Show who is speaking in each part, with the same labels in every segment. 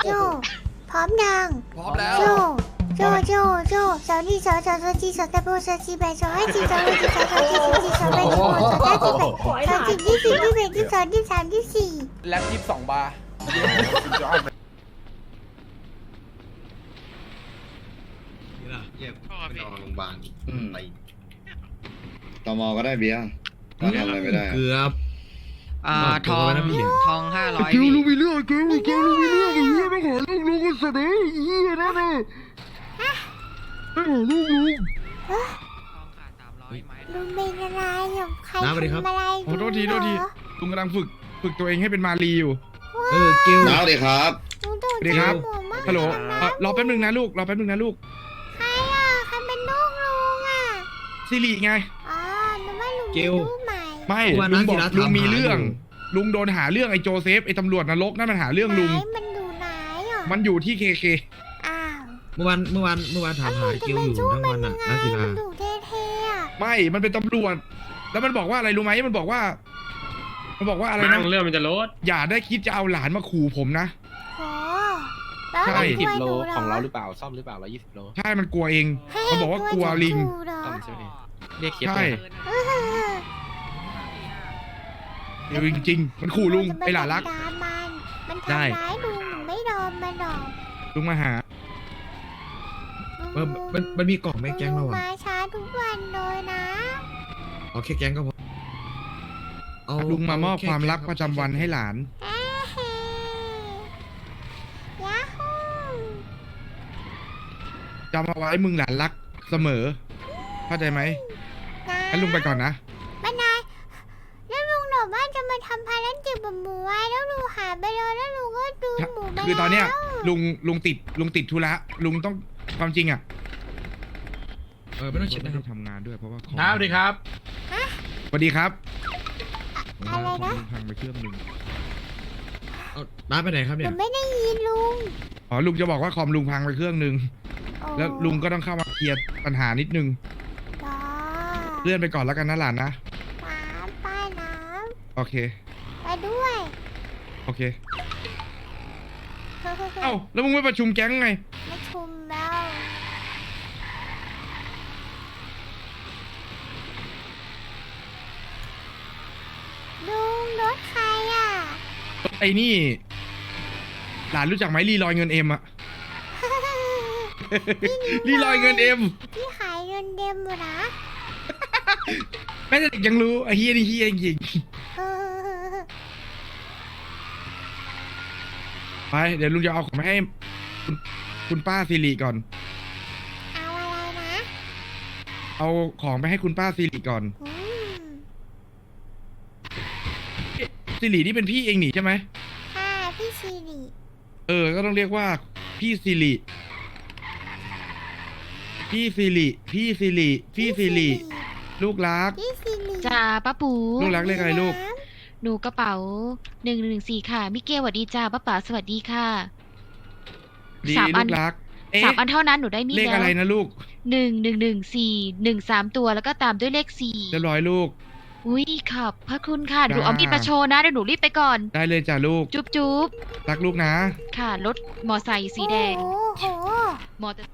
Speaker 1: โจพร้อมยัง
Speaker 2: พร้อมแล้ว
Speaker 1: โจสาวนี่สาวจีสาวตะโบสาวจีแบสาวไอจีสาวไอจีสาวจีสาวจีสาวแบสาวสาวจีแบสาวจีที่สี่ที่แบที่สองที่สามที่สี่
Speaker 2: แล็บ22 บาร์
Speaker 3: นี่ล่ะเยี่ยมไปนอนโรงพยาบาลไป
Speaker 4: ตมก็ได้เบียร์ก็ทำอะไรไม่ได้
Speaker 3: เกือบ
Speaker 5: ทอง
Speaker 3: นะพี่
Speaker 5: ทอง500
Speaker 4: เกล
Speaker 5: พี่
Speaker 4: ลูกมีเรื่องเกลลูกมีเรื่องไอ้เหี้ยไม่ขอลูกลุงก็เสนอไอ้เหี้ยนั่นน่ะไม่ขอลูกลุง
Speaker 5: ทองขาด300ไม้
Speaker 1: ลุงเป็นอะไรอยู่ใคร
Speaker 3: น้าสวัสดีครับ
Speaker 1: ทำอะไร
Speaker 2: โอ้โทษทีลุงกำลังฝึกตัวเองให้เป็นมารีอยู่
Speaker 3: เกล
Speaker 4: น้าดีครับ
Speaker 1: ลุงโดน
Speaker 2: สวัสดีครับ
Speaker 1: หมูมาก
Speaker 2: ฮัลโหล
Speaker 1: เลยนะ
Speaker 2: รอแป๊บนึงนะลูกรอแป๊บนึงนะลูก
Speaker 1: ใครอ่ะใครเป็นลูกลุงอ่ะ
Speaker 2: ซิริไง
Speaker 1: อ๋อนึกว่าลุงมีลูกใหม่
Speaker 2: ไม่
Speaker 3: วัน
Speaker 2: ลุ
Speaker 3: นั้
Speaker 2: ง
Speaker 3: น
Speaker 2: บอก
Speaker 3: ศิระ
Speaker 2: ลุงมี
Speaker 3: ถามหา
Speaker 2: เรื่อง
Speaker 3: อยู่
Speaker 2: ลุงโดนหาเรื่องไอ้โจเซฟไอ้ตำรวจนรกนั่นมันหาเรื่องลุง
Speaker 1: ไหนมันอยู่ไหนอ่ะ
Speaker 2: มันอยู่ที่เคเค
Speaker 1: อ้าว
Speaker 3: เมื่อวานถามหาเกลอยู่ทั้งวันน่ะนักกีฬา
Speaker 1: มันอยู่เท่ๆอ่ะ
Speaker 2: ไม่มันเป็นตำรวจ แล้วมันบอกว่าอะไรรู้ไหมมันบอกว่าอะไรนะ
Speaker 6: เรื่องมันจะลด
Speaker 2: อย่าได้คิดจะเอาหลานมาขู่ผมนะ
Speaker 1: โหแล้ว
Speaker 2: ใช่
Speaker 1: มันช่วยหนูเหรอ
Speaker 6: ของเราหรือเปล่าซ่อมหรือเปล่า120 โล
Speaker 2: ใช่มันกลัวเอง มันบอกว่ากลัวลิง
Speaker 6: ซ่อมใช่ไหมเรียกเคส
Speaker 2: ใช่
Speaker 1: เออ
Speaker 2: เดี๋ยวจริงๆมันขู่ลุงไอ้หลานรัก
Speaker 1: มัน
Speaker 2: ได้
Speaker 1: ทำร้ายลุงหนูไม่ยอมมันหรอก
Speaker 2: ลุงมาหา
Speaker 3: มันมีกล่องแม่แก๊งเรา
Speaker 1: ลุ
Speaker 3: อ่ะ
Speaker 1: มาช้าทุกวันเลยนะ
Speaker 3: เอาแค่แก๊งก็พอเอา
Speaker 2: ลุงมามอบ
Speaker 3: แ
Speaker 2: ความรักประจำวันให้หลาน
Speaker 1: เอ้เฮ้ยาฮู
Speaker 2: จำเอาไว้มึงหลานรักเสมอ เข้าใจไหม
Speaker 1: นะ
Speaker 2: งั้นลุงไปก่อนนะ
Speaker 1: บ้านนายแล้วลุงบอกว่าจะมาทำภารกิจแบบหมูไว้แล้วลุงหายไปเลยแล้วลุงก็ดูหมูไป
Speaker 2: คือตอนเนี้ย
Speaker 1: แล้ว
Speaker 2: ลุงติดธุระลุงต้องความจริงอ่ะ
Speaker 3: ไม่ต้องเช็ด
Speaker 2: ไม่
Speaker 3: นะค
Speaker 2: ได้
Speaker 3: รับ
Speaker 2: ทำงานด้วยเพราะว่าของ
Speaker 6: ครับสวัสดีครับ
Speaker 2: สวัสดีครับ
Speaker 1: อะไรนะ
Speaker 2: ลุงพังไปเครื่องหนึ่ง
Speaker 3: เอาน้าไปไหนครับ
Speaker 1: ห
Speaker 3: เนี่
Speaker 1: นู
Speaker 3: ย
Speaker 1: ไม่ได้ยินลุง
Speaker 2: อ๋อลุงจะบอกว่าคอมลุงพังไปเครื่องหนึ่ง
Speaker 1: โอ้
Speaker 2: แล้วลุงก็ต้องเข้ามาเคลียร์ปัญหานิดนึง
Speaker 1: จ้า
Speaker 2: เลื่อนไปก่อนแล้วกันนะหลานนะ
Speaker 1: น้ำป้ายน้
Speaker 2: โอเค
Speaker 1: ำไปด้วย
Speaker 2: โอเค เอ้าแล้วมึงไม่ประชุมแก๊งไง
Speaker 1: ไม่ชุมแล้วลุงรถใครอ่ะ
Speaker 2: ไอ้นี่ หลานรู้จักไหมรีลอยเงินเอ็มอะ รีลอยเงินเอ็ม
Speaker 1: พี่ขายเงินเต็มอยู่นะ
Speaker 2: แม่แต่เด็กยังรู้ไอ้เฮียนี่เฮียจริง
Speaker 1: เออ
Speaker 2: ๆไปเดี๋ยวลุงจะเอาของมาให้คุณป้าสิริก่อน
Speaker 1: เอาอะไรนะ
Speaker 2: เอาของไปให้คุณป้าสิริก่อน
Speaker 1: อืม
Speaker 2: สิรินี่เป็นพี่เองหนิใช่ไหม
Speaker 1: ค่ะพี่ซีริ
Speaker 2: ก็ต้องเรียกว่าพี่สิริพี่สิริพี่สิริพี่สิริลูกรัก
Speaker 1: พี่ซีริ
Speaker 7: จ้าป้าปู
Speaker 2: ลูกรักเรียกอะไรลูก
Speaker 7: หนูกระเป๋า114ค่ะมิเกลสวัสดีจ้าป้าป๋าสวัสดีค่ะ
Speaker 2: ดี
Speaker 7: สามอั
Speaker 2: ลู
Speaker 7: น
Speaker 2: กรัก เอ๊ะ
Speaker 7: 3 อันเท่านั้นหนูได้มีด
Speaker 2: เลข
Speaker 7: แล้ว
Speaker 2: อะไรนะลูก
Speaker 7: 1114 13 ตัวแล้วก็ตามด้วยเลข
Speaker 2: เรียบร้อยลูก
Speaker 7: 4อุ้ยขอบพระคุณค่ะหนู
Speaker 2: จ้า
Speaker 7: เอามีดมาโชว์นะเดี๋ยวหนูรีบไปก่อน
Speaker 2: ได้เลยจ้ะลูก
Speaker 7: จุ๊บจุ๊บ
Speaker 2: รักลูกนะ
Speaker 7: ค่ะรถมอไซค์สีแดง
Speaker 1: โอ้โห
Speaker 7: มอเตอร์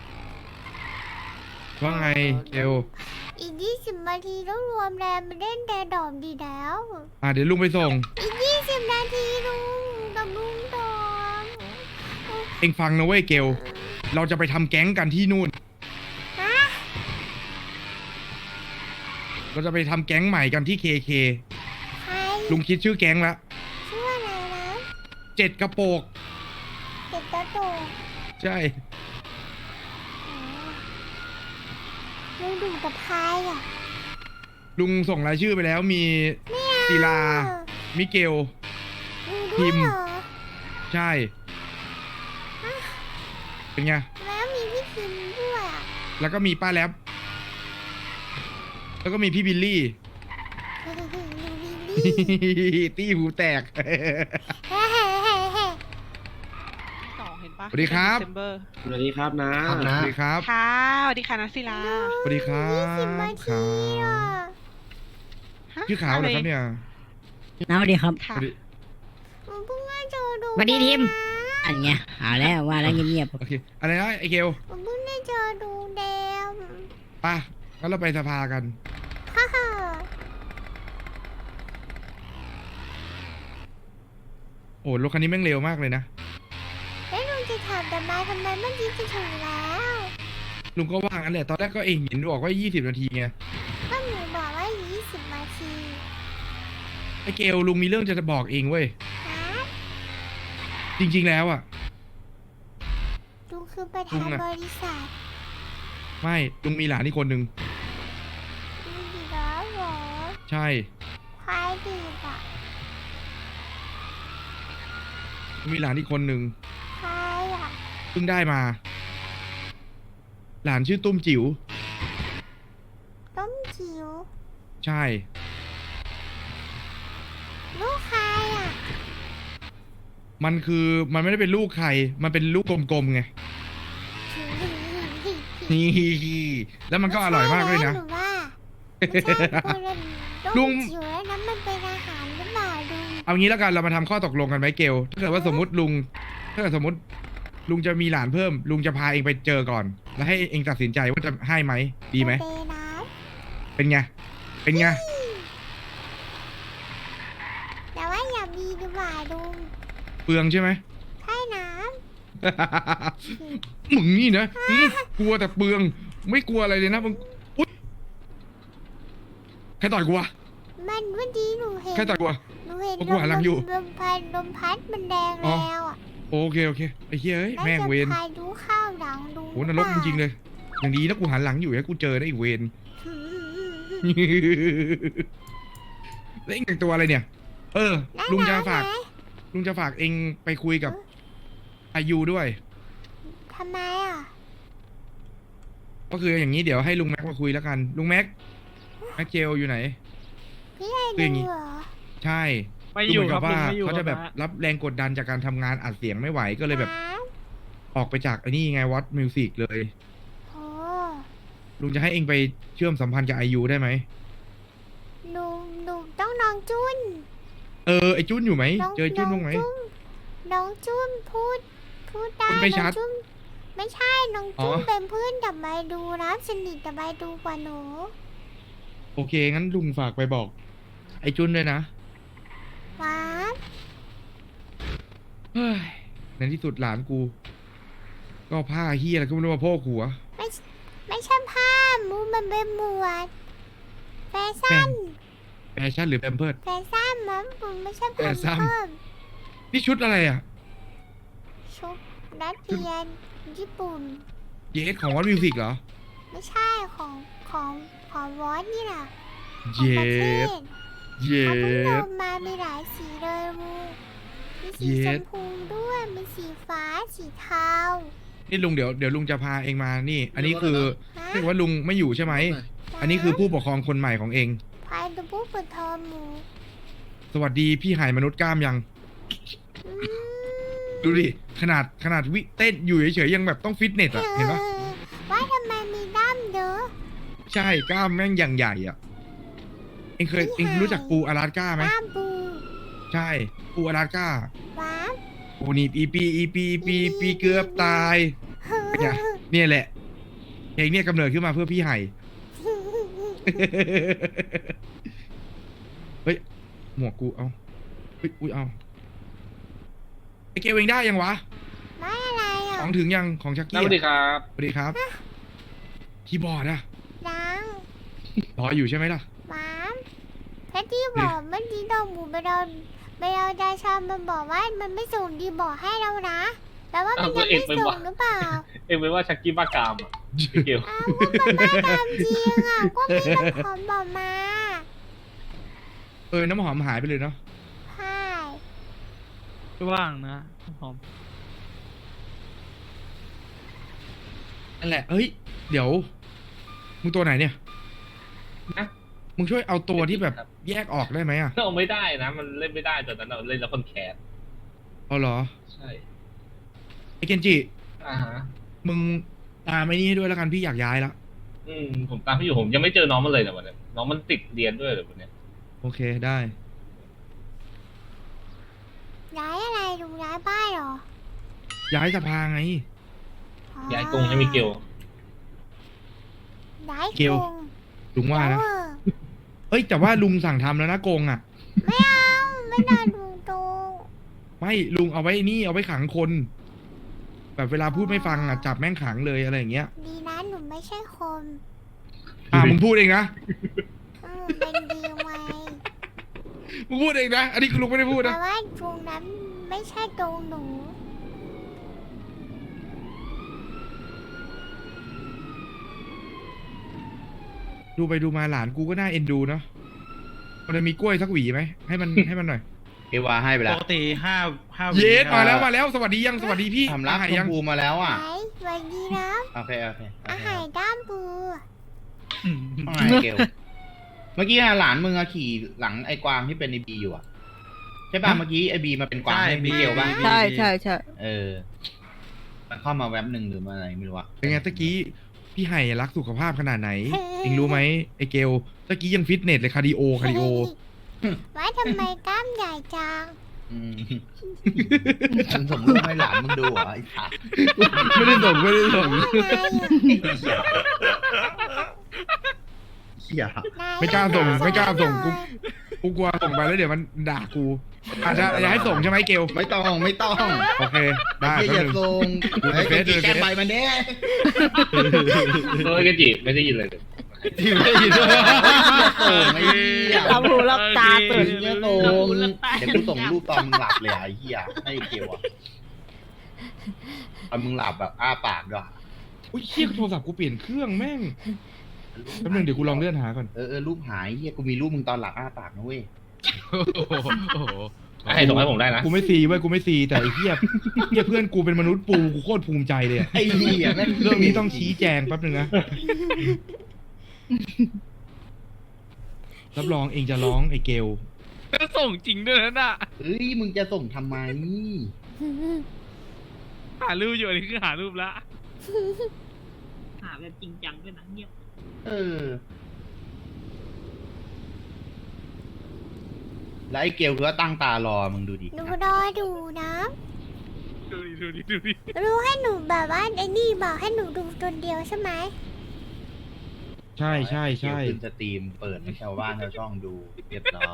Speaker 2: ว่าไงเกล
Speaker 1: อีก20 นาทีต้องรวมแรงมาเล่นแต่ดอมดีแล้ว
Speaker 2: เดี๋ยวลุงไปส่ง
Speaker 1: อีก20 นาทีลุงกับลุงดอม
Speaker 2: เอ็งฟังนะเว้ยเกล เราจะไปทำแก๊งกันที่นู่น
Speaker 1: ฮะ
Speaker 2: เราจะไปทำแก๊งใหม่กันที่เคเค
Speaker 1: ใคร
Speaker 2: ลุงคิดชื่อแก๊งละ
Speaker 1: ชื่ออะไรนะ
Speaker 2: 7 กระโปก
Speaker 1: เด็กกระโดด
Speaker 2: ใช่
Speaker 1: ลุงดูกับใครอ่ะ
Speaker 2: ลุงส่งรายชื่อไปแล้วมี
Speaker 1: ไม่เอา
Speaker 2: ศิลา มิเกล
Speaker 1: ลุง
Speaker 2: พิ
Speaker 1: ด้วย
Speaker 2: มพ์
Speaker 1: เหรอ
Speaker 2: ใช่ เป็นไง
Speaker 1: แล้วมีพี่พิมพ์ด้วยอ่ะ
Speaker 2: แล้วก็มีป้าแล็บแล้วก็มีพี่บิลลี่
Speaker 1: ลุงวิลลี่
Speaker 2: ตี้หูแตก
Speaker 1: เฮ้เฮ้เฮ้เฮ้
Speaker 5: 2เห็นปะ
Speaker 2: สวัสดีครับ
Speaker 5: December
Speaker 6: สวัสดีครับนะ
Speaker 3: ครับ
Speaker 2: ส
Speaker 3: นะ
Speaker 2: วัสดีครับ
Speaker 5: ค่ะสวัสดีค่ะนักศิลา
Speaker 2: สวัสดีครั
Speaker 1: 20 นา
Speaker 2: บ
Speaker 1: ทีอ่ะ
Speaker 2: ชื่อขาวเหรอครับเนี่ย
Speaker 8: น้าสวัสดีครับ
Speaker 5: ค่ะ
Speaker 2: สวัสดี
Speaker 1: ผมเพิ่งมาเจอดู
Speaker 8: สวัสดีทีม
Speaker 1: นะ
Speaker 8: อันเนี้ยหาแล้วว่าแล้วเงียบ
Speaker 2: โอเคอะไรนะไอเกล
Speaker 1: ผมเพิ่งได้เจอดูแดง
Speaker 2: ป่ะงั้นเราไปสภากัน
Speaker 1: ฮ่าฮ่า
Speaker 2: โอ้รถคันนี้แม่งเร็วมากเลยนะ
Speaker 1: แล้วลุงจะถามทำไมเมื่อกี้จะถึงแล้ว
Speaker 2: ลุงก็ว่างั้นแหละตอนแรกก็เองเห็นบอกว่า20 นาทีไง
Speaker 1: ก็หนูบอกว่า20 นาที
Speaker 2: ไอเกลลุงมีเรื่องจะบอกเองเว้ย
Speaker 1: ฮะ
Speaker 2: จริง ๆแล้วอ่ะ
Speaker 1: ลุงคือประธาน
Speaker 2: ลุงอะ
Speaker 1: บริษัท
Speaker 2: ไม่ลุงมีหลานอีกคนนึง
Speaker 1: ลุงดีแล้วเหรอ
Speaker 2: ใช่
Speaker 1: ใครดีอ่ะ
Speaker 2: ลุงมีหลานอีกคนนึง
Speaker 1: ใครอ่ะ
Speaker 2: เพิ่งได้มา หลานชื่อตุ้มจิ๋ว
Speaker 1: ต้มจิ๋ว
Speaker 2: ใช่
Speaker 1: ลูกใครอ่ะ
Speaker 2: มันคือมันไม่ได้เป็นลูกใคร มันเป็นลูกกลมๆไง นี่แล้วมันก็อร่อยมากด้วยนะ
Speaker 1: หนูว่าไม่ใช่คนละ
Speaker 2: ลุ
Speaker 1: ต้
Speaker 2: ง
Speaker 1: มจิ๋วแล้วนั้นมันเป็นอาหารหรือเปล่าลุง
Speaker 2: เอางี้แล้วกันเรามาทำข้อตกลงกันไหมเกลถ้าเกิดว่าสมมติลุงถ้าเกิดสมมติลุงจะมีหลานเพิ่ม ลุงจะพาเองไปเจอก่อน แล้วให้เองตัดสินใจว่าจะให้ไหมดีไหม
Speaker 1: โอเคนะ
Speaker 2: เป็นไงเป็นไง
Speaker 1: แต่ว่าอย่ามีดีกว่าลุง
Speaker 2: เปลืองใช่ไหม
Speaker 1: ใช่นะ
Speaker 2: มึงนี่นะกลัวแต่เปลือง ไม่กลัวอะไรเลยนะมึงอุ๊ยใครต่อยกูวะ
Speaker 1: มันเมื่อกี้หนูเห็น
Speaker 2: ใครต่อยกูวะ
Speaker 1: หนูเห็น
Speaker 2: กูหันหลังอยู่
Speaker 1: ลมพัดมันแดง
Speaker 2: อ๋อ
Speaker 1: แล้วอ่ะ
Speaker 2: โอเคไอ้เหี้ยเอ้ยแม่งเวร
Speaker 1: น่าจะพายุเข้าหลังลุง
Speaker 2: โหนรกจริงๆเลย อย่างดีนะกูหันหลังอยู่ให้กูเจอได้อีกเวร แล้วเองแต่งตัวอะไรเนี่ย เออ ลุงจะฝาก ลุงจะฝากเองไปคุยกับอายุด้วย
Speaker 1: ทำไมอ่ะ
Speaker 2: ก็คืออย่างนี้เดี๋ยวให้ลุงแม็กมาคุยแล้วกัน ลุงแม็กเจลอยู่ไหน
Speaker 1: พี่ไอ้
Speaker 2: คืออย่างงี้
Speaker 1: ดูเหรอ
Speaker 2: ใช่
Speaker 6: ไม่อยู่
Speaker 2: เหมืน
Speaker 6: ครั
Speaker 2: กับ ว่า
Speaker 6: ไม่อยู่
Speaker 2: เขาจะแบบ
Speaker 6: ครับ
Speaker 2: รับแรงกดดันจากการทำงานอัดเสียงไม่ไหวก็เลยแบบ
Speaker 1: ฮะ
Speaker 2: ออกไปจากไอ้นี่ไงวัดมิวสิกเลย
Speaker 1: โอ้
Speaker 2: ลุงจะให้เองไปเชื่อมสัมพันธ์กับอายุได้ไหม
Speaker 1: หนูต้องน้องจุน
Speaker 2: เออไอจุ้นอยู่ไหม
Speaker 1: น้อง
Speaker 2: เจอจุ้นบ้างไหม
Speaker 1: น้องจุนพูดได้
Speaker 2: พูดไม่ชัด
Speaker 1: น้องจุนไม่ใช่น้อง
Speaker 2: อ๋
Speaker 1: จุ
Speaker 2: อ
Speaker 1: นเป็นเพื่อนกับใบดูนะสนิทกับใบดูกว่าหนู
Speaker 2: โอเคงั้นลุงฝากไปบอก ไอจุ้นด้วยนะ
Speaker 1: ว้า
Speaker 2: เฮ้ยในที่สุดหลานกู ก็ผ้าเฮียอะไรก็ไม่รู้มาโพกหัว
Speaker 1: ไม่ใช่ผ้ามูมันเป็นหมวดแฟชั่น
Speaker 2: แฟชั่นหรือแพมเพิร์ด
Speaker 1: แฟชั่นมั้งผมไม่ใช่
Speaker 2: แฟ
Speaker 1: ผ้า
Speaker 2: ชั่น
Speaker 1: เพิ่ม
Speaker 2: นี่ชุดอะไรอ่ะ
Speaker 1: ชุดนักเรียนญี่ปุ่น
Speaker 2: เยสของวัดมิวสิกเหรอ
Speaker 1: ไม่ใช่ของวอสนี่นะข
Speaker 2: เย
Speaker 1: องประเท
Speaker 2: ส
Speaker 1: ศ
Speaker 2: เย
Speaker 1: เขาเพิ่งล
Speaker 2: ส
Speaker 1: งมามีหลายสีเลยมูมีสี
Speaker 2: เย็
Speaker 1: ช
Speaker 2: ด
Speaker 1: มพูด้วย มีสีฟ้า สีเทา
Speaker 2: นี่ลุงเดี๋ยวลุงจะพาเองมานี่ อันนี้คือ
Speaker 1: ฮะ
Speaker 2: ถ้าเกิดว่าลุงไม่อยู่ใช่ไหม อันนี้คือผู้ปกครองคนใหม่ของเอง
Speaker 1: พายดูผู้เปิดเทอมหมู
Speaker 2: สวัสดีพี่หายมนุษย์กล้ามยัง
Speaker 1: อืม
Speaker 2: ดูดิขนาดวิเต้นอยู่เฉยๆยังแบบต้องฟิตเนสอ่ะ เห็นปะ
Speaker 1: ว่าทำไมมีด้ามเยอะ
Speaker 2: ใช่กล้ามแม่งอย่างใหญ่อ่ะ เองรู้จักปูอลาสก้าไหม
Speaker 1: ด้ามปู
Speaker 2: ใช่ปูอลาสก้า
Speaker 1: ว้าว
Speaker 2: ปูนี่ปีเกือบตาย เนี่ย เนี่ยแหละเพลงเนี่ยกำเนิดขึ้นมาเพื่อพี่ไห่ เฮ้ย หมวกกูเอาเฮ้ยอุ้ยเอาไอเกลเองได้ยังวะ
Speaker 1: ไม่อะไรอ่ะ
Speaker 2: ของถึงยังของชักกี้
Speaker 6: สวัสดีครับ
Speaker 2: สวัสดีครับคีย์บอร์ดอะ
Speaker 1: ดัง
Speaker 2: รออยู่ใช่ไหมล่ะ
Speaker 1: ว้าวแพทที่บอกเมื่อกี้โดนหมูไปโดนดาชามันบอกว่ามันไม่ส่งดีบอกให้เรานะแปลว่ามันยังไม่ส่งหรือเปล่า
Speaker 6: เอ็งเป็นว่าชักกี้บ้ากามอ่ะเกล
Speaker 1: อ้าวก็มันบ้าตามจริงอ่ะ ก็มีน้ำหอมบอกมา
Speaker 2: น้ำหอมหายไปเลยเนาะ
Speaker 1: ใช่
Speaker 6: ว่างนะหอม
Speaker 2: นั่นแหละเฮ้ย เดี๋ยว มึงตัวไหนเนี่ย
Speaker 6: นะ
Speaker 2: มึงช่วยเอาตัวที่แบบแยกออกได้ไหมอะ
Speaker 6: เอาไม่ได้นะ มันเล่นไม่ได้ตอนนั้นเราเล่นแล้วคนแคส
Speaker 2: เอาเหรอ
Speaker 6: ใช่
Speaker 2: ไอเกนจิ
Speaker 6: อ่าฮะ
Speaker 2: มึงตามไอ้นี่ให้ด้วยแล้วกันพี่อยากย้ายละ
Speaker 6: ผมตามพี่อยู่ผมยังไม่เจอน้องมันเลยแต่วันนี้น้องมันติดเรียนด้วยเหรอวันนี้
Speaker 2: โอเคได้
Speaker 1: ย้ายอะไรดูย้ายบ้านเหรอ
Speaker 2: ย้ายสภาไง
Speaker 6: ย้ายกรงให้มิเกล
Speaker 1: ย้าย
Speaker 2: เกล ลุงว่านะ
Speaker 1: เออ
Speaker 2: เอ้ยแต่ว่าลุงสั่งทำแล้วนะโกงอ่ะ
Speaker 1: ไม่เอาไม่ได้ดูตรง
Speaker 2: ไม่ลุงเอาไว้นี่เอาไว้ขังคน แบบเวลาพูดไม่ฟังอ่ะจับแม่งขังเลยอะไรอย่างเงี้ย
Speaker 1: ดีนะหนูไม่ใช่คน
Speaker 2: มึงพูดเองนะ
Speaker 1: เป็นดีไว้
Speaker 2: มึงพูดเองนะอันนี้คือลุงไม่ได้พูด
Speaker 1: แต่
Speaker 2: นะ
Speaker 1: ว่าตรงนั้นไม่ใช่ตรงหนู
Speaker 2: ดูไปดูมาหลานกูก็น่าเอ็นดูเนาะมันจะมีกล้วยสักหวีไหมให้มัน ให้มันหน่อย
Speaker 3: เอวาให้ไป
Speaker 9: ป
Speaker 3: แล้ว
Speaker 9: กติห้า
Speaker 2: เยสมาแล้วสวัสดียังสวัสดีพี่
Speaker 3: ทำรับ
Speaker 2: อาหาร
Speaker 3: ช
Speaker 2: ยั
Speaker 3: ม
Speaker 2: ง
Speaker 3: พูมาแล้วอ่ะ
Speaker 1: ไหนสวัสดีนะ
Speaker 3: โอเคโอเค
Speaker 1: อาหารด้ามปู
Speaker 3: ว่าไงเกลเมื่อกี้หลานมึงอะขี่หลังไอ้กวางที่เป็นไอบีอยู่อ่ะใช่ป่ะเมื่อกี้ไอบีมาเป็นกวางให้มิเกลป่ะ
Speaker 8: ใช่ใช่ใช่
Speaker 3: เออมันเข้ามาแว็บหนึ่งหรือมาอะไรไม่รู้อะ
Speaker 2: เป็นไงตะกี้พี่ไห่รักสุขภาพขนาดไหนเองรู้ไหมไอเกลตะกี้ยังฟิตเนสเลยคาร์ดิโอ
Speaker 1: ว่าทำไมกล้ามใหญ่จัง
Speaker 3: อืมมึงส่งรูปให้หลานมึงดูเหรอไอ้สัส
Speaker 2: ไม่ได้ส่ง
Speaker 1: ไงอะ
Speaker 3: เหี้ย
Speaker 2: ไม่กล้าส่งกูกลัวส่งไปแล้วเดี๋ยวมันด่ากูอาจจะอยากให้ส่งใช่ไหมเกล
Speaker 3: ไม่ต้องไม่ต้อง
Speaker 2: โอเคได้
Speaker 3: เหี้ย
Speaker 2: แป๊
Speaker 3: อย่า
Speaker 2: บนึง
Speaker 3: ส่ง
Speaker 2: ดูในเฟซดูในเฟซ
Speaker 3: แกไปมันเด้
Speaker 6: เฮ้ยกันจิไม่ได้ยินเลย
Speaker 3: ไม่ยินด้วยส่งไอ้เหี้ย
Speaker 8: รับหูรับตาตื่น
Speaker 3: เหี้ยส่งเดี๋ยวกูส่งรูปตอนมึงหลับเลยอะไอ้เหี้ยให้เกลอะตอนมึงหลับแบบอ้าปากด้วย
Speaker 2: อุ้ยเชี่ยโทรศัพท์กูเปลี่ยนเครื่องแม่งแป๊บนึงเดี๋ยวกูลองเลื่อนหาก่อน
Speaker 3: รูปหายเหี้ยกูมีรูปมึงตอนหลับอ้าปากนะเว้ย
Speaker 6: ให้ส่งให้ผมได้นะ
Speaker 2: กูไม่ซีเว้ยกูไม่ซีแต่ไอ้เหี้ยเพื่อนกูเป็นมนุษย์ปูกูโคตรภูมิใจเลยอะ
Speaker 3: ไอ้เหี้ยแม่ง
Speaker 2: เรื่องนี้ต้องชี้แจงแป๊บนึงนะรับรองเองจะร้องไอ้เกล
Speaker 9: ส่งจริงด้วยนะน่ะ
Speaker 3: เฮ้ยมึงจะส่งทำไม
Speaker 9: หารูปอยู่อันนี้คือหารูปละ
Speaker 5: หาแบบจริงจังด้วยนะเงียบ
Speaker 3: แล้วไอ้เกลคือว่าตั้งตารอมึงดูดิ
Speaker 1: หนูรอดูนะ
Speaker 9: ดูดิ
Speaker 1: รู้ให้หนูแบบว่าไอ้นี่บอกให้หนูดูตัวเดียวใช่ไหม
Speaker 2: ใช่
Speaker 3: เกลขึ้นสตรีมเปิดให้ชาวบ้านชาวช่องดูเรียบร้อย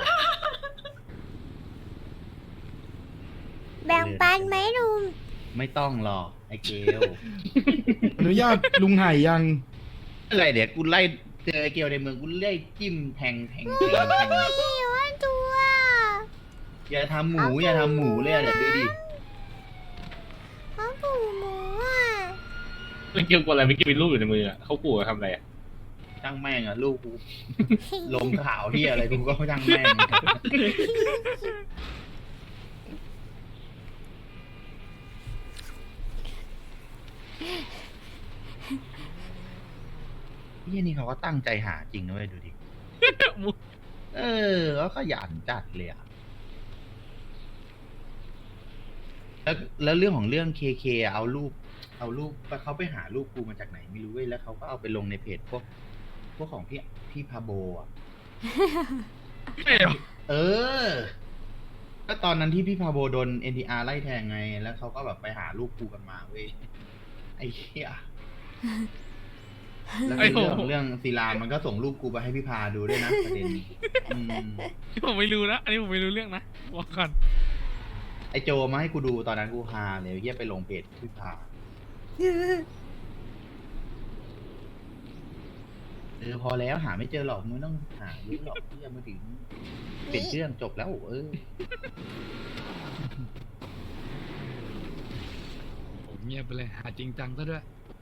Speaker 1: แบ่งปันไหมลุง
Speaker 3: ไม่ต้องหรอกไอ้เกล
Speaker 2: อนุญาตลุงไห่ยัง
Speaker 3: อะไรเดี๋ยวกูไล่เจอไอ้เกลในเมืองกูไล่จิ้มแทง
Speaker 1: พี่ว่าตัว
Speaker 3: อย่าทำหมูอย่าทำหมูเลยอะเดี๋ยวดูดิ
Speaker 1: เขาปูหมูอ่ะ
Speaker 6: ไม่เกี่ยวกับอะไรไม่เกี่ยวกับรูปอยู่ในมืออะเขาขู่ทำอะไรอะ
Speaker 3: ช่างแม่งอะลูกกูลงข่าวที่อะไรกูก็ช่างแม่งนี่เขาก็ตั้งใจหาจริงนะเว้ยดูดิ ก็ขยันจัดเลยอะแล้วเรื่องของเรื่องเคเอารูปเขาไปหารูปกูมาจากไหนไม่รู้เว้ยแล้วเขาก็เอาไปลงในเพจพวกของพี่พาโบอ่ะ ก็ตอนนั้นที่พี่พาโบโดน NTR ไล่แทงไง แล้วเขาก็แบบไปหารูปกูกันมาเว้ยไอ้เหี้ยแล้วในเรื่องศิลามันก็ส่งรูปกูไปให้พี่พาดูด้วยนะประเด็น
Speaker 9: ผมไม่รู้นะอันนี้ผมไม่รู้เรื่องนะบอกก่อน
Speaker 3: ไอโจมาให้กูดูตอนนั้นกูฮาเลยเฮียไปลงเพจพี่พาพอแล้วหาไม่เจอหรอกมึงต้องหารู้หรอกเฮียมาถึงเป็นเรื่องจบแล้ว
Speaker 9: ผมเงียบไปเลยหาจริงจังซะด้วย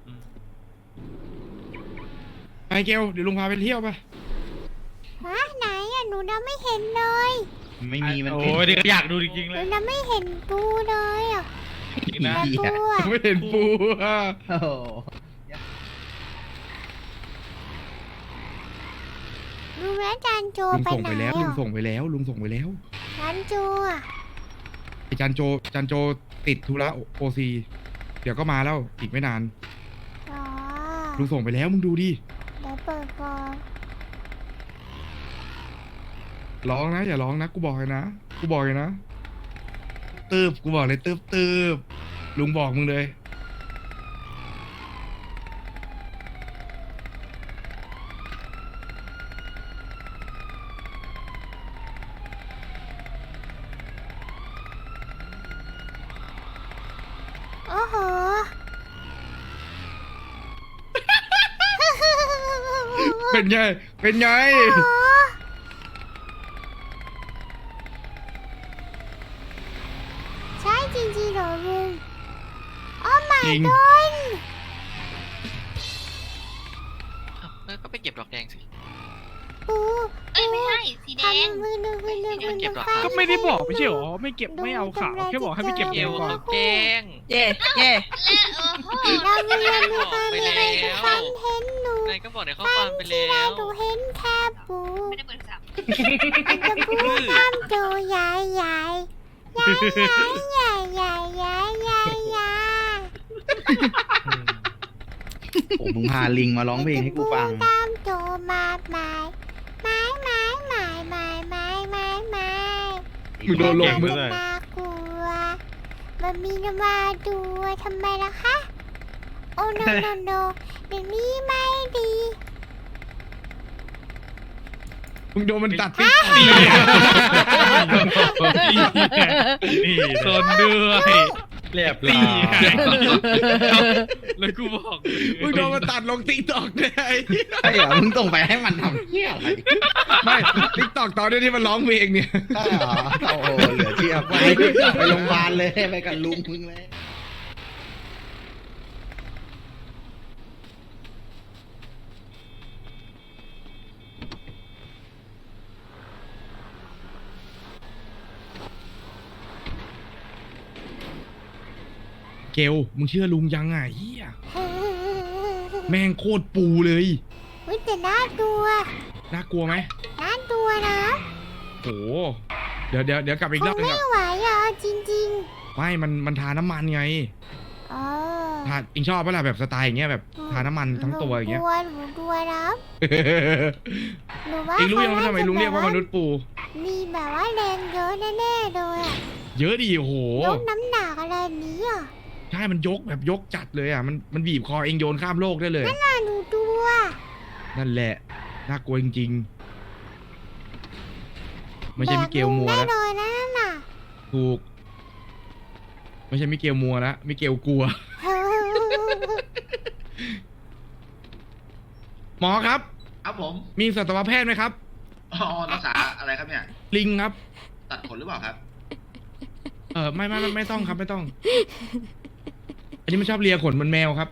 Speaker 2: ไอ้เกลเดี๋ยวลุงพาไปเที่ยวไป
Speaker 1: ฮะไหนอ่ะหนูยังไม่เห็นเลย
Speaker 3: ไม่มีมัน
Speaker 9: โอ้
Speaker 3: เป็น
Speaker 9: ยเดี๋ยวอยากดูจริงๆ
Speaker 1: ห
Speaker 9: เล
Speaker 1: นู
Speaker 9: ย
Speaker 1: ยังไม่เห็นปูเลยอ่ะ
Speaker 9: จริงนะ
Speaker 1: แต่ปูอ่ะ
Speaker 2: ไม่เห็นปูอ่ะ
Speaker 3: โอ้โห
Speaker 1: ลุงแล้วจานโจ
Speaker 2: ลุง
Speaker 1: ไป
Speaker 2: ส่ง
Speaker 1: ไหน
Speaker 2: ไปแล้ว
Speaker 1: อ่ะ
Speaker 2: ลุงส่งไปแล้ว
Speaker 1: จานโจอ่ะ
Speaker 2: ไอ้จันโจติดธุระโอซีเดี๋ยวก็มาแล้วอีกไม่นาน
Speaker 1: อ๋อ
Speaker 2: ลุงส่งไปแล้วมึงดูดิ
Speaker 1: เดี๋ยวเปิดก่อน
Speaker 2: ร้องนะอย่าร้องนะกูบอกเลยนะกูบอกเลยนะกูบอกเลยตืบลุงบอกมึงเลย
Speaker 1: โอ้โห
Speaker 2: เป็นไง เป็นไง
Speaker 1: ใช่จริงๆเหรอลุงโอ้ my
Speaker 2: จริง
Speaker 1: god
Speaker 9: ก็ไปเก็บดอกแดงสิ
Speaker 1: ปู
Speaker 5: เอ้ยไม่ใช่สีแดง
Speaker 1: ทำมือหนึ่งมือหนึ่งมือหนึ่ง
Speaker 9: ก็ไม่ได้บอกไม่ใช่หรอไม่เก็บไม่เอาขาวแค่บอกให้ไปเก็บเอวก่อนแกง
Speaker 8: เย่เย่
Speaker 1: เราไม่ได้มีความมีอะไรจะฟันเห็นหนู
Speaker 9: นายก็บอกในข้อ
Speaker 1: ฟั
Speaker 9: ความ
Speaker 1: น
Speaker 9: ไป
Speaker 1: ที่
Speaker 9: แล้
Speaker 1: เรา
Speaker 9: ว
Speaker 1: ดูเห็นแค่ปู
Speaker 5: ไม่ได้เปิดสับ
Speaker 1: มันจะพูดตามตัวใหญ่ใหญ่ใหญ่ใหญ่ใหญ่ใหญ่ใหญ่ใหญ่
Speaker 3: โอ้มึงพาลิงมาร้องเพลงให้กูฟัง
Speaker 1: ตามตัวมาไม้ไม้ไม้ไม้ไม้ไม้ไม้ไม้
Speaker 2: มึงโดนลง
Speaker 1: มั
Speaker 2: มึง
Speaker 1: จะน่ากลัวมันมีนมาดูทำไมล่ะคะ โอ้โนโนโนเดี๋ยวนี้ไม่ดี
Speaker 2: มึงโดนมันตัดติ๊ก
Speaker 9: นี่โซนด้วย
Speaker 3: เรียบ
Speaker 9: ตี
Speaker 3: ร้อย
Speaker 9: ไงแล้วกูบอก
Speaker 2: มึงโดนมันตัดลงติ๊กตอกเลย
Speaker 3: ใช่เหรอมึงส่งไปให้มันทำเหี้ยอะไร
Speaker 2: ไม่ติ๊กตอกตอนนี้ที่มันร้องเพลงเนี่ย
Speaker 3: ใช่เหรอโอ้โหเหลือเชื่อไปโรงพยาบาลเลยไปกับลุงมึงเลย
Speaker 2: เกลมึงเชื่อลุงยังไงเฮียแม่งโคตรปูเลย
Speaker 1: วิแต่น่ากลัว
Speaker 2: น่ากลัวไหม
Speaker 1: น่ากลัวนะ
Speaker 2: โหเดี๋ยวกลับอีก
Speaker 1: ค
Speaker 2: รอง บนึง
Speaker 1: ไม่
Speaker 2: ครับ
Speaker 1: ไหวอ่ะจริง
Speaker 2: ไม่มันทาน้ำมันไง
Speaker 1: ๆอ๋อ
Speaker 2: ทาอิงชอบปะล่ะแบบสไตล์อย่างเงี้ยแบบทาน้ำมันทั้งตัวอย่างเงี้ย
Speaker 1: หนูกลัวนะหนูว่า
Speaker 2: อิงรู้ยังว่าทำไมลุงเรียกว่ามนุษย์ปู
Speaker 1: มีแบบว่าแรงเยอะแน่ๆเลยอะ
Speaker 2: เยอะดิโอ้โห
Speaker 1: ยกน้ำหนักอะไรนี้อ่ะ
Speaker 2: ใช่มันยกแบบยกจัดเลยอ่ะมันบีบคอเองโยนข้ามโลกได้เลย
Speaker 1: น่าหนูดูอ่ะ
Speaker 2: นั่นแหละน่ากลัวจริงๆไม่ใช่มิเกลมัว
Speaker 1: แบ
Speaker 2: แล้ว
Speaker 1: กลุงแน่นอนนะนั่นน่ะ
Speaker 2: ถูก ไม่ใช่มิเกลมัวแล้วมิเกลกลัว หมอครับ
Speaker 3: ครับผม
Speaker 2: มีสัตวแพทย์ไหมครับ
Speaker 3: อ๋อรักษาอะไรครับเนี่ย
Speaker 2: ลิงครับ
Speaker 3: ตัดขนหรือเปล่าครับ
Speaker 2: ไม่ต้องครับไม่ต้อง อันนี้มันชอบเลียขนเหมันแมวครับ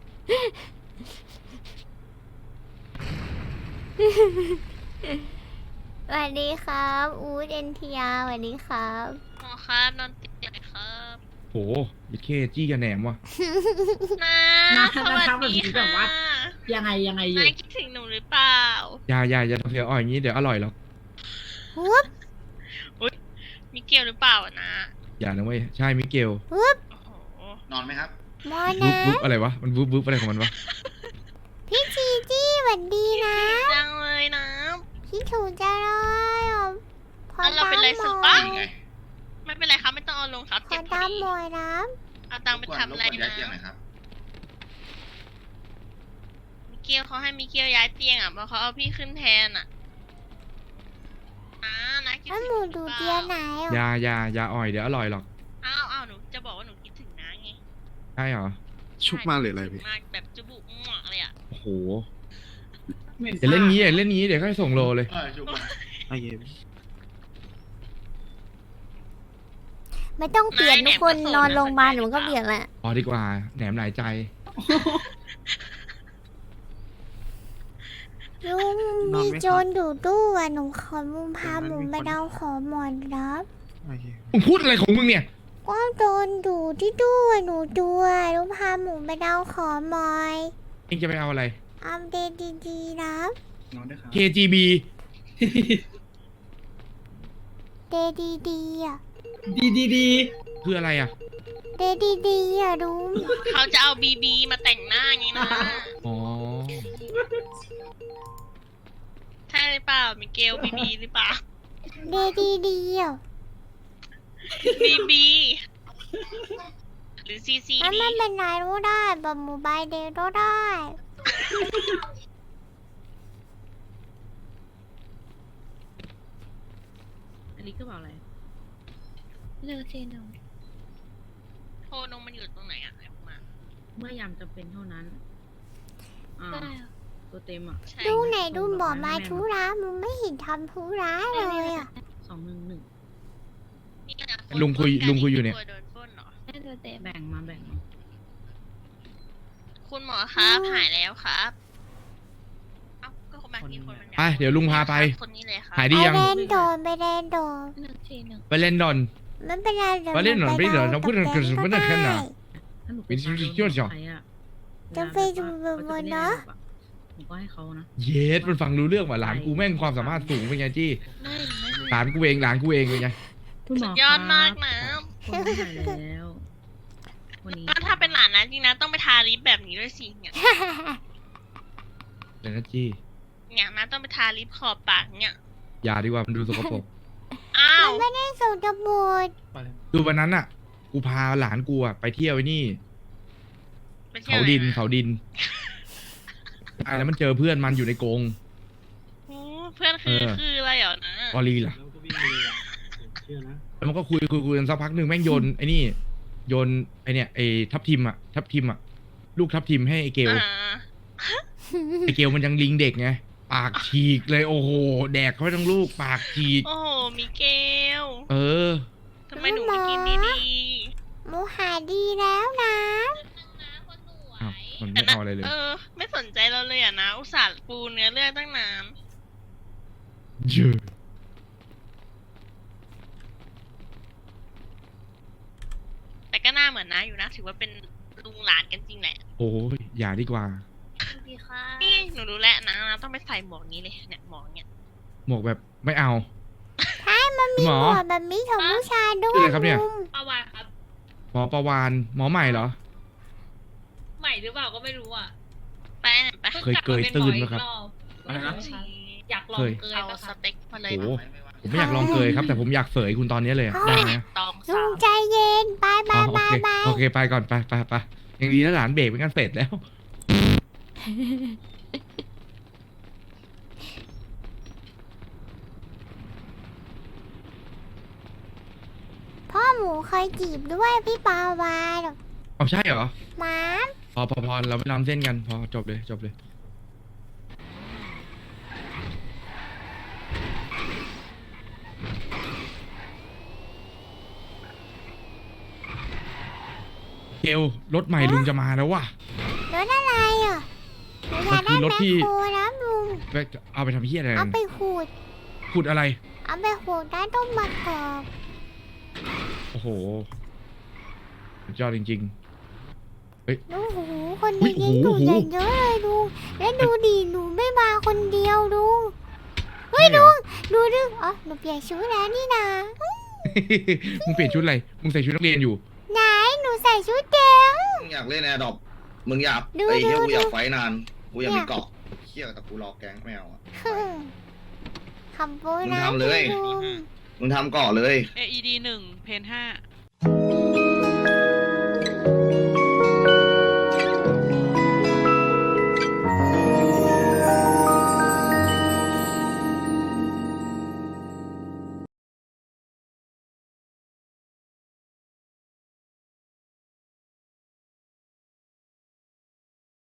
Speaker 1: สวัสดีครับอูดเอ็นทีอาร์สวัสดีครับ
Speaker 5: หมอครับนอนติดเลยครับ
Speaker 2: โหยิเคจี้กับแหนมว่ะ
Speaker 5: นะสวัสดีค่ะ
Speaker 8: ยังไงอยู่
Speaker 5: นายคิดถึงหนูหรือเปล่า
Speaker 2: อย่าทำเสียงอ่อยอย่างนี้เดี๋ยวอร่อยหรอก
Speaker 1: ฮึบ
Speaker 5: มีเกลหรือเปล่าอะนะ
Speaker 2: อย่านะเว้ยใช่มิเกล
Speaker 1: ฮึบ
Speaker 5: โอ้โห
Speaker 3: นอนไหมครับ
Speaker 1: มอ
Speaker 2: วุ
Speaker 1: นะ
Speaker 2: บวุบอะไรวะมันวุบวุบอะไรของมันวะ
Speaker 1: พี่จีจี้สวัสดีนะ
Speaker 5: จังเลยนะ
Speaker 1: คิดถูกจะเลยอ่ะขอ
Speaker 5: แล้วเราเป็นไร
Speaker 1: ตาม
Speaker 5: สึก
Speaker 1: ห
Speaker 5: ปะ
Speaker 1: น่อย
Speaker 3: ยังไง
Speaker 5: ไม่เป็นไรครับไม่ต้องเอาลงครับ
Speaker 1: ข
Speaker 5: เจ็
Speaker 1: อบ
Speaker 5: พอ
Speaker 1: ตาม
Speaker 5: ดี
Speaker 1: หน่อยนะ
Speaker 5: เอาตังค์ไปทำอะไร
Speaker 3: รบกวนย้า
Speaker 5: นะ
Speaker 3: ยเตียงหน่อยครับ
Speaker 5: มิเกลเขาให้มิเกลย้ายเตียงอ่ะเพราะเขาเอาพี่ขึ้นแทนอ่ะนะคิด
Speaker 1: แล้ว
Speaker 5: ถึง
Speaker 1: หมู
Speaker 5: ห
Speaker 1: ดู
Speaker 5: รือเป
Speaker 1: เตีย
Speaker 5: ล่า
Speaker 1: ไหน
Speaker 2: อย่า
Speaker 1: อ่ะ
Speaker 2: อย่าอ่อยเดี๋ยวอร่อยหรอก
Speaker 5: อ้าวหนูจะบอกว่าหนูคิดถึงนะไง
Speaker 2: ใช่เหรอ
Speaker 4: ชุบมาหรืออะไรพี่
Speaker 5: มากแบบจุบุมั่วเลยอ่ะ
Speaker 2: โอ้โหเดี๋ยวเล่นงี้เดี๋ยวค่อยส่งโลเลย
Speaker 3: ชุบมา
Speaker 4: โอเค
Speaker 1: ไม่ต้องเปลี่ยนทุกคนนอนโรงพยาบาลหนูก็เปลี่ยนแหละ
Speaker 2: พอดีกว่าแหนมหลายใจ
Speaker 1: ลุงมีโจรอยู่ตู้อ่ะหนูขอมุมพาหมูไปเดาขอหมอนรับ
Speaker 4: โอเค
Speaker 2: มึงพูดอะไรของมึงเนี่ย
Speaker 1: ก็โดนดูที่ตู้อ่ะหนูดูอ่ะลุงพาหมูไปเดาขอหมอย
Speaker 2: เองจะไปเอาอะไร
Speaker 1: อัปเดตดีๆนะ
Speaker 4: นอนด้วยครับ
Speaker 2: KGB
Speaker 1: เดดีๆอ่ะ
Speaker 2: คืออะไรอ่ะ
Speaker 1: เดดีๆอ่ะลุง
Speaker 5: เขาจะเอาบีบีมาแต่งหน้าอย่างนี้นะ
Speaker 2: อ๋อ
Speaker 5: ใช่หรือเปล่ามิเกลบีบีหรือเปล่า
Speaker 1: เดดีๆอ่ะ
Speaker 5: บีบีหรือซีซี
Speaker 1: แล้ว
Speaker 5: ดี
Speaker 1: มันเป็นไหนรู้ได้แบบโมบายเดย์ก็ได้
Speaker 8: อันนี้ก็บอกอะไร
Speaker 7: เลือกเจนง
Speaker 5: โทรนงมันอยู่ตรงไหนอะไหนออกมา
Speaker 8: เมื่อยามจำเป็นเท่านั้นอ่าตัวเต็มอ่ะ
Speaker 5: ใช่
Speaker 1: ดูไหนดูบอกมาธุระมึงไม่เห็นทำธุระเลยอ่ะ
Speaker 8: 211
Speaker 5: นี่นะ
Speaker 2: ลุงคุยอยู่เนี่ย
Speaker 5: กลัวโดนปล้นเหรอ
Speaker 7: ได้ตัวเต็ม
Speaker 8: แบ่งมา
Speaker 5: คุณหมอครับหายแล้วครับเอ้าก็คนมาที่คนมันอยาก
Speaker 2: ไปเดี๋ยวลุงพาไป
Speaker 5: คนนี้เลยครับ
Speaker 2: หายดียัง
Speaker 1: ไปเล่นโดนไปเล่นโดน
Speaker 7: เลือกเจนง
Speaker 2: ไปเล่นดอน
Speaker 1: มันเป็นอะไรเดี๋ยว
Speaker 2: ไปเล่นหน่อยไปเดี๋ยวเราพูดกัน
Speaker 1: กับ
Speaker 2: ไม่
Speaker 1: แก๊
Speaker 2: ได้
Speaker 1: ง
Speaker 2: แค่นั้น
Speaker 8: ถ้าหนู
Speaker 2: เป็นชื่อๆจ้ะ
Speaker 1: จะไปดูบนเนอะ
Speaker 8: หนูก็ให้เขานะ
Speaker 2: เยสมันฟังรู้เรื่องว่ะหลานกูแม่งความสามารถสูงเป็นไงจี้
Speaker 7: ไม่ไม่
Speaker 2: หลานกูเองเป็นไง
Speaker 8: คุณหม
Speaker 5: สุ
Speaker 8: อ
Speaker 5: ดยอดมากนะ
Speaker 8: คนไม่หายแล้ววันนี้
Speaker 5: ก็ถ้าเป็นหลานนะจริงนะต้องไปทาลิปแบบนี้ด้วยสิเนี่ย
Speaker 2: เดี๋ยวนะจี้
Speaker 5: เนี่ยนะต้องไปทาลิปขอบปากเนี่ย
Speaker 2: อย่าดีกว่ามันดูสกปรก
Speaker 5: อ้าว
Speaker 1: ไม่ได้ส่งจะบูด
Speaker 2: คือวันนั้นอ่ะ กูพาหลานกูอ่ะไปเที่ยวไอ้นี่
Speaker 5: ไปที่ยว
Speaker 2: เขาดิน
Speaker 5: ไหะ
Speaker 2: เขาดินแล้วมันเจอเพื่อนมันอยู่ในกรง
Speaker 5: โอ้เพื่อนคือ
Speaker 2: เออ
Speaker 5: คืออะไรเหรอนะ
Speaker 2: วอลีล่ะแล้วมันก็คุยกันสักพักหนึ่งแม่งโยนไอ้นี่ โยนไอเนี่ยไอทับทิมอ่ะลูกทับทิมให้ไอเกล
Speaker 5: อ่า
Speaker 2: ไอเกลมันยังลิงเด็กไงปากฉีกเลยโอ้โหแดกเข้าไปทั้งลูกปากฉีก
Speaker 5: โอ้โหมิเกล
Speaker 2: เออ
Speaker 5: ทำไมหนูไม่กินดี
Speaker 1: หมูหายดีแล้วนะ
Speaker 2: อ้าวมัน
Speaker 5: ๆ
Speaker 2: ไม่เอาอะไรเลย
Speaker 5: ไม่สนใจเราเลยอ่ะนะ อุตส่าห์ปูเนื้อเรื่องตั้งนาน
Speaker 2: เยอะ
Speaker 5: แต่ก็น่าเหมือนนะอยู่นะ ถือว่าเป็นลุงหลานกันจริงแหละ
Speaker 2: โอ้ยอย่าดีกว่า
Speaker 5: ดีค่ะนี่หนูรู้แล้วนะต้องไปใส่หมวกนี้เลยเนี่ยหมวกเนี่ย
Speaker 2: หมวกแบบไม่เอา
Speaker 1: มี
Speaker 2: หมอ
Speaker 1: หัวแบบนี้ของผู้ชายด้ว
Speaker 2: ชื่
Speaker 1: ย
Speaker 2: ออะไรครับเนี่ย
Speaker 1: ลุง
Speaker 5: ประวานครับ
Speaker 2: หมอประวานหมอใหม่เหรอ
Speaker 5: ใหม่หรือเปล่าก็ไม่รู้อ่ะ ไปไป
Speaker 2: เคยเกยตื้นไหมครับ
Speaker 5: อะไรนะอยากลอง
Speaker 2: เคย
Speaker 5: เกยเอาสเต็กมาเลย
Speaker 2: โอ้ผมไม่อยากลองเกยครับ แต่ผมอยากเสยคุณตอนนี้เลยอะได้ไหม
Speaker 5: ตอง
Speaker 1: ลุ
Speaker 5: สาง ว
Speaker 1: ใจเย็นบาย
Speaker 2: อ๋
Speaker 1: บา
Speaker 2: อย
Speaker 1: บาย
Speaker 2: โอเค
Speaker 1: บาย
Speaker 2: โอเคไปก่อนไปยังดีนะหลานเบรกเป็นกันเสร็จแล้ว
Speaker 1: พ่อหมูเคยจีบด้วยพี่ปาวาน
Speaker 2: เอาใช่เหรอ
Speaker 1: หมา
Speaker 2: พอเราไม่ล้ำเส้นกันพอจบเลยเกลรถใหม่ลุงจะมาแล้วว่ะ
Speaker 1: รถอะไรอ่ะหนูอยากได้
Speaker 2: มันคือรถ
Speaker 1: แมค
Speaker 2: ที่
Speaker 1: โครนะลุง
Speaker 2: เอาไปทำเพี้ยอะไร
Speaker 1: เอาไปขูด
Speaker 2: ขุดอะไร
Speaker 1: เอาไปขูดได้ต้มมะกอก
Speaker 2: โอ้โหสุดยอดจริง
Speaker 1: ดูหูคน
Speaker 2: อุ๊
Speaker 1: นี้
Speaker 2: ย
Speaker 1: ยิง
Speaker 2: โอ้
Speaker 1: ดู
Speaker 2: โห
Speaker 1: อย่างเยอะเลยดูแล้วดูดิหนูไม่มาคนเดียวดู
Speaker 2: ๆ
Speaker 1: เฮ้ย
Speaker 2: ใช่เหร
Speaker 1: ดู
Speaker 2: อ
Speaker 1: ดูอ๋อหนูเปลี่ยนชุดแล้วนี่นะ
Speaker 2: มึงเปลี่ยนชุดอะไร มึงใส่ชุดนักเรียนอยู่
Speaker 1: ไหนหนูใส่ชุดแดง
Speaker 10: มึงอยากเล่นแอร์ดรอปมึงอยาก
Speaker 1: ดู
Speaker 10: ไอ้เหี้ย
Speaker 1: ดู
Speaker 10: กูอยาก
Speaker 1: ดู
Speaker 10: ไฟท์นาน กูอยากมีเกาะเหี้ยแต่กูรอแก๊งไม่เอาอะ
Speaker 1: คำโบ
Speaker 10: มึง
Speaker 1: ราณ
Speaker 10: ทำเลย
Speaker 1: ลุง
Speaker 10: มึงทำเกาะเลย
Speaker 5: AED 1 เพน5